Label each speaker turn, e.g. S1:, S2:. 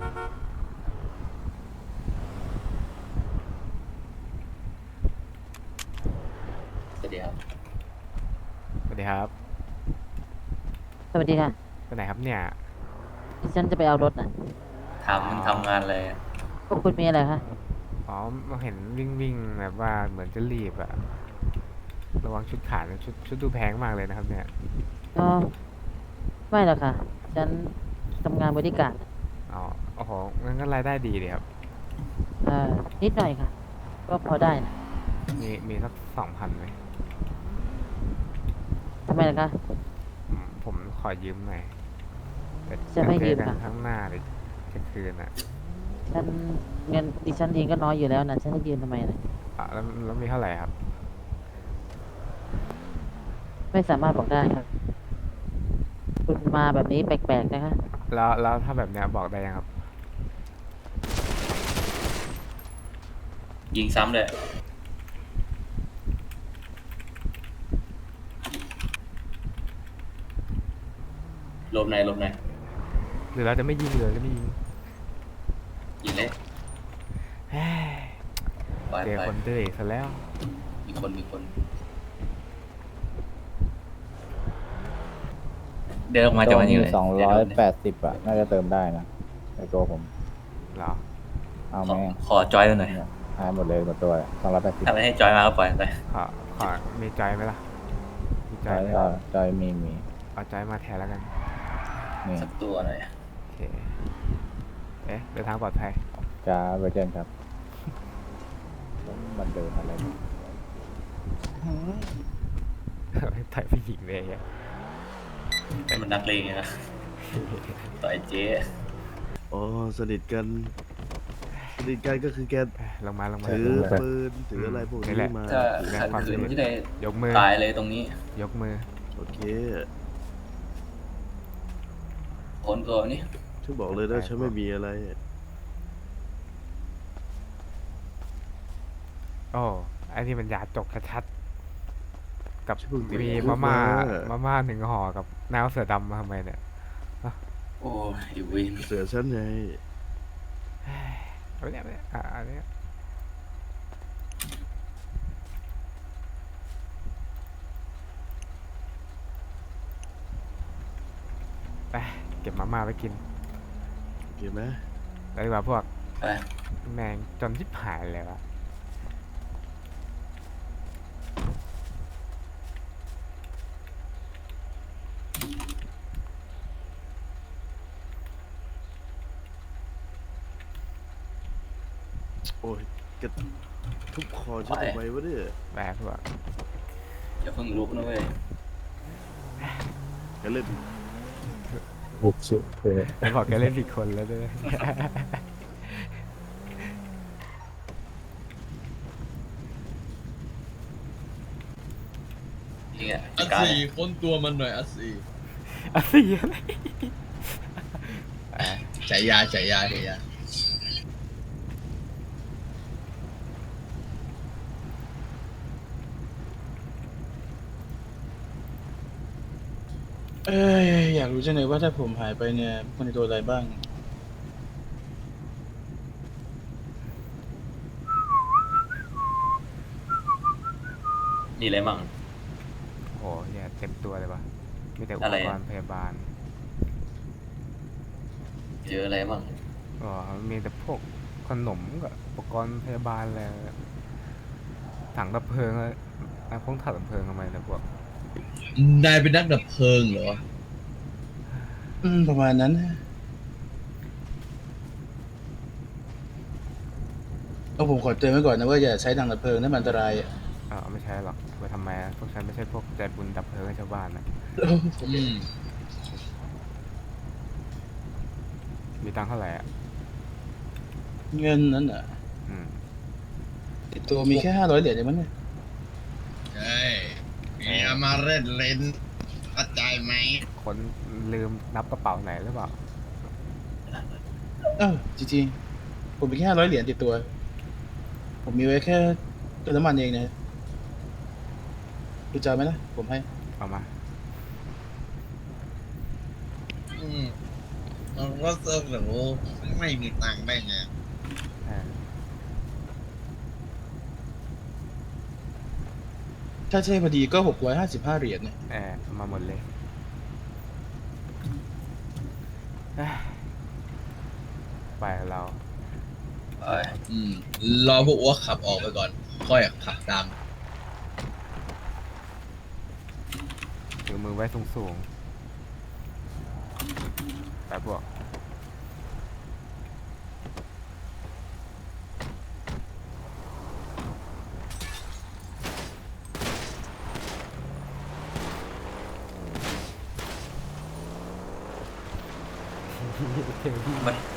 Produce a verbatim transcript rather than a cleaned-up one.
S1: สวัสดีครับ
S2: สวัสดีครับ
S3: สวัสดีค่ะ
S2: ไปไหนครับเนี่ย
S3: ดิฉันจะไปเอารถน่ะ
S1: ทำมันทำงานอะไรอะ
S3: พวกคุณมีอะไรคะ
S2: อ๋อเห็นวิ่งวิ่งแบบว่าเหมือนจะรีบอะระวังชุดขาดนะชุดชุดดูแพงมากเลยนะครับเนี่ย
S3: อ๋อไม่หรอกค่ะฉันทำงานบริการน่ะ
S2: อ๋อโอ้โหงั้นก็รายได้ดีเลยครับ
S3: เอ่อนิดหน่อยค่ะก็พอได้นะ
S2: มีมีสักสองพันไหม
S3: ทำไมล่ะคะ
S2: ผมผมขอยืมหน่อยแต่
S3: จะ
S2: จะเจอกัน
S3: ไม่ยืมค่ะ
S2: ข้างหน้าเลยจะคืนอะ
S3: ฉันเงินดิฉันเองก็น้อยอยู่แล้วนะฉันจะยืมทำไมนะ
S2: อ่ะแล้วแล้วมีเท่าไหร่ครับ
S3: ไม่สามารถบอกได้ครับคุณมาแบบนี้แปลกๆนะคะ
S2: แล้วแล้วถ้าแบบเนี้ยบอกได้ยังครับ
S1: ยิงซ้ำเลยหลบไหนหลบไหน
S2: หรือเราจะไม่ยิงเลยจะไม่ยิง
S1: ยิงเลย
S2: เฮ้ย
S1: ไป
S2: เจอ
S1: ไป
S2: คนดื้ออีกซะแล้ว
S1: มีคนมีคนเดินออกมาจากวันนี้เลย
S4: สองร้อยแปดสิบอะน่าจะเติมได้นะในตัวผม
S2: เหรอ
S4: เอา
S1: ขอ
S4: ไหม
S1: ขอจอยหน่อย
S4: เนี่ยหายหมดเลยหมดตัวสองร้อยแปดสิบ
S1: ถ้าไม่ให้จอยมาก็ปล่อยไป
S2: ขอขอมีจอยไหมล่ะมีจ
S4: จอย
S2: อยไหม
S4: จอยจอยมีมี
S2: เอาจอยมาแทนแล้วกัน
S4: นี่
S1: สักตัวหน่อย
S2: โอเคเอ๊ะเดินทางปลอดภัย
S4: จ้าเวอร์เจนครับแล้วมันเดินอะไรเนี่ย
S2: ถ่ายผู้หญิงเลยอะ
S1: มันนักเลงไงนะต่อยเจ๊
S5: อ๋อสนิทกันสนิทกันก็คือแก
S2: เอ้ยลงมาลงมา
S5: ถือ
S2: ลงมา
S5: ปืนถืออะไรพวก
S2: นี่
S5: นี้
S2: แหละ
S5: มา
S1: ถ้า
S2: แสดง
S1: ขัด
S2: ความ
S1: ขืน
S2: สนิท
S1: ที่ได้
S2: ยกมือ
S1: ตายเลยตรงนี้
S2: ยกมือ
S5: โอเค
S1: คนตัวนี้
S5: ฉันบอกเลยนะฉันไม่มีอะไร
S2: โอ้ไอ้นี่มันยาจกชัดๆกับ
S5: ฉันเพิ่ง
S2: มี
S5: ติดคุ
S2: มาก ม่า
S5: มา
S2: มาม่าหนึ่งห่อกับน้ำเสือดำมาทำไมเนี่ย
S1: โอ้ยอีวิน
S5: เสือฉันไง
S2: เอาไปเนี่ยเอาไปเนี่ยอ่ะอันเนี้ยไปเก็บมาม่าไปกิน
S5: โอเคไหม
S2: แล้วดีกว่าพวก
S1: ไป
S2: แมงจนชิบหายเลยวะ
S5: โอ้ยแกทุบคอฉันทำไมวะเนี่ย
S2: ไปพวก
S1: อย่าเพิ่งลุกนะเว้ย
S5: แกเล่น
S4: บุกสุดเลย
S2: แล้วบอกแกเล่นผิดคนแล้วด้วย
S1: จริงอ่ะ
S6: อัด
S1: การ
S6: สี่ค้นตัวมันหน่อยอัดสี่
S2: อะสิอะไร
S6: ฉายาฉายาฉายาเอ้ยอยากรู้จังเลยว่าถ้าผมหายไปเนี่ยมันจะโดนอะไรบ้าง
S1: มีอะไรมั่ง
S2: โอ้โหเนี่ยเต็มตัวเลยวะมีแต่อุ
S1: อะ
S2: ป
S1: ไร
S2: ก
S1: อะ
S2: รณ์พยาบาล
S1: เจออะไรมั่ง
S2: อ๋อมีแต่พวกขนมกับอุปกรณ์พยาบาลอะไรถังดับเพลิงอะไรอ่ะพวกถังดับเพลิงทำไมนะพวก
S6: นายเป็นนักดับเพลิงเหรอ อืม ประมาณนั้นเอาผมขอเตือนไว้ก่อนนะว่าอย่าใช้ถังดับเพลิงนะมันอันตรายอ่ะ
S2: เออไม่ใช่หรอกไปทำไมอะพวกฉันไม่ใช่พวกใจบุญดับเพลิงให้ชาวบ้านนะ
S6: อืม
S2: มีตังค์เท่าไหร่อ่ะ
S6: เงินนั้นอ่ะ
S2: อืม
S6: ติดตัวมีแค่ห้าร้อยเหรียญเองมั้งเนี่ย
S7: ใช่เมียมาเล่นเล่นเข้าใจไหม
S2: คนลืมนับกระเป๋าไหนหรือเปล่า
S6: เออจริงๆผมมีแค่ห้าร้อยเหรียญติดตัว ผมมีไว้แค่เติมน้ำมันเองนะคุณจะเอาไหมล่ะผมให้
S2: เอามา
S7: อืมอะไรว่าเซิร์ฟหนูไม่มีตังค์ได้ไง
S2: อ่า
S6: ถ้าใช่พอดีก็หกร้อยห้าสิบห้าเหรียญเนี่ย
S2: แอบมาหมดเลยเอ้ยไปเรา
S1: เอ้ย
S7: อืม รอพวกอ้วกขับออกไปก่อน ค่อยขับตาม
S2: ถือมือไว้สูงๆไปพวก
S1: มัน